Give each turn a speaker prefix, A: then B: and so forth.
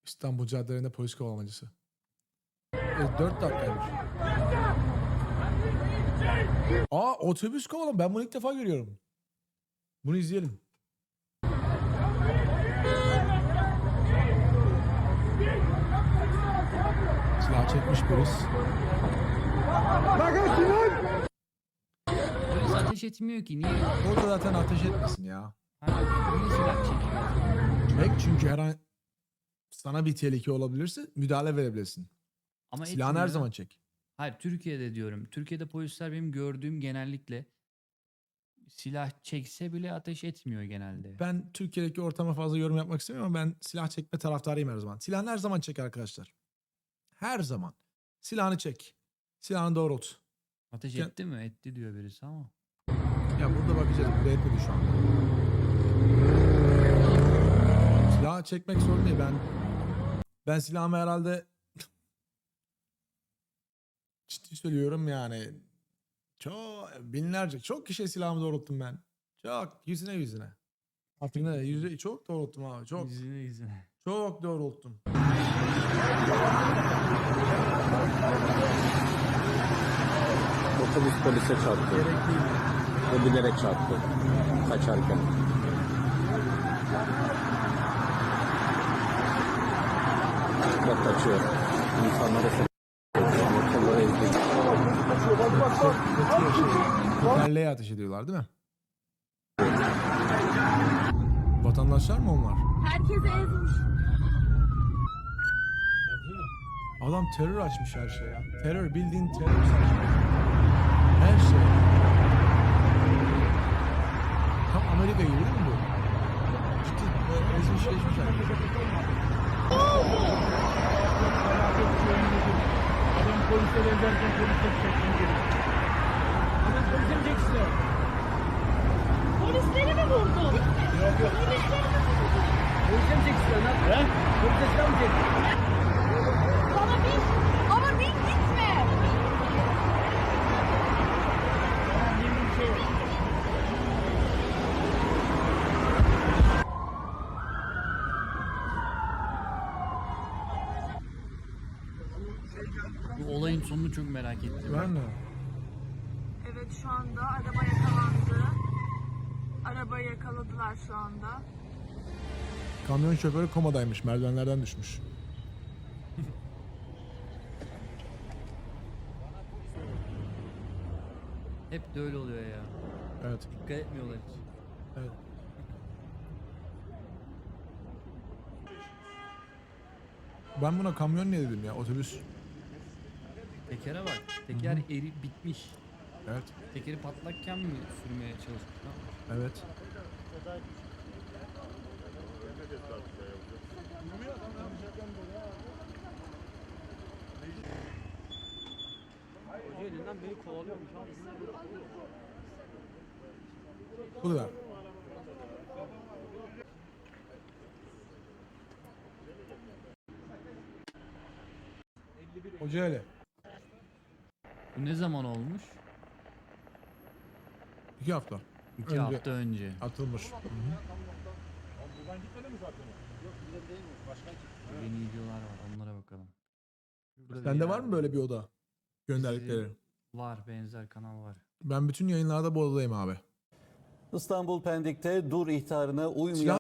A: İstanbul caddelerinde polis kovalamacısı. 4 dakikaymış. Aa, otobüs kovalama. Ben bunu ilk defa görüyorum. Bunu izleyelim. Silah çekmiş polis.
B: Polis ateş etmiyor ki. Niye?
A: Orada zaten ateş etmesin ya.
B: Niye silah çekiyor?
A: Çek, çünkü her an sana bir tehlike olabilirse müdahale verebilirsin.
B: Ama
A: Silahını her
B: etmiyor.
A: zaman çek.
B: Hayır, Türkiye'de diyorum. Türkiye'de polisler benim gördüğüm genellikle silah çekse bile ateş etmiyor genelde.
A: Ben Türkiye'deki ortama fazla yorum yapmak istemiyorum ama ben silah çekme taraftarıyım her zaman. Silahını her zaman çek arkadaşlar. Her zaman. Silahını çek. Silahını doğrult.
B: Ateş
A: Gel-
B: etti mi? Etti diyor birisi ama.
A: Ya burada bakacağız. Burada etmedi şu anda. Silah çekmek sorun değil. Ben silahımı herhalde ciddi söylüyorum yani. Çok kişiye silahımı doğrulttum ben. Çok yüzüne. Artık ne? Çok doğrulttum abi. Çok.
B: Yüzüne.
A: Çok doğrulttum.
C: Otobüs polise çarptı.
A: Gerek değil.
C: O bilerek çarptı. Kaçarken. Bak kaçıyor. İnsanlara motorlara ezdi.
A: Tekerleğe ateş ediyorlar değil mi? Vatandaşlar mı onlar?
D: Herkese ezmiş.
A: Adam terör açmış her şeye ya. Terör, bildiğin terör açmış. Her şey. Tam Amerika gibi değil mi bu? Ciddi böyle ezmiş geçmiş herkes.
E: Adam polise benzerken polise çeksin geri. Adam polise mi çeksin?
D: Polisleri mi vurdu?
E: Yok yok.
D: Polisleri mi vurdu?
E: Polise mi çeksin lan? He? Polise silah mı çeksin?
D: Bana bin. Ama bin gitme.
E: Tamam yemin bir şey yok.
B: Bu olayın sonunu çok merak ettim.
A: Ben de.
D: Evet, şu anda araba yakalandı. Arabayı yakaladılar şu anda.
A: Kamyon şoförü komadaymış. Merdivenlerden düşmüş.
B: Hep de öyle oluyor ya.
A: Evet.
B: Dikkat etmiyorlar hiç.
A: Evet. Ben buna kamyon ne dedim ya? Otobüs.
B: Tekere bak. Teker eri bitmiş.
A: Evet.
B: Tekeri patlakken mi sürmeye çalışmış? Ne yapmış?
A: Evet.
E: Hoca elinden beni kovalıyormuş abi.
A: Bu da. Hoca öyle.
B: Bu ne zaman olmuş?
A: 2 hafta.
B: 2
A: Önce.
B: hafta önce.
A: Atılmış.
B: Yeni videolar var, onlara bakalım. Burada bir
A: Sende
B: yer
A: var mı böyle bir oda? Gönderdikleri.
B: Var, benzer kanal var.
A: Ben bütün yayınlarda bu odadayım abi.
F: İstanbul Pendik'te dur ihtarına uymayan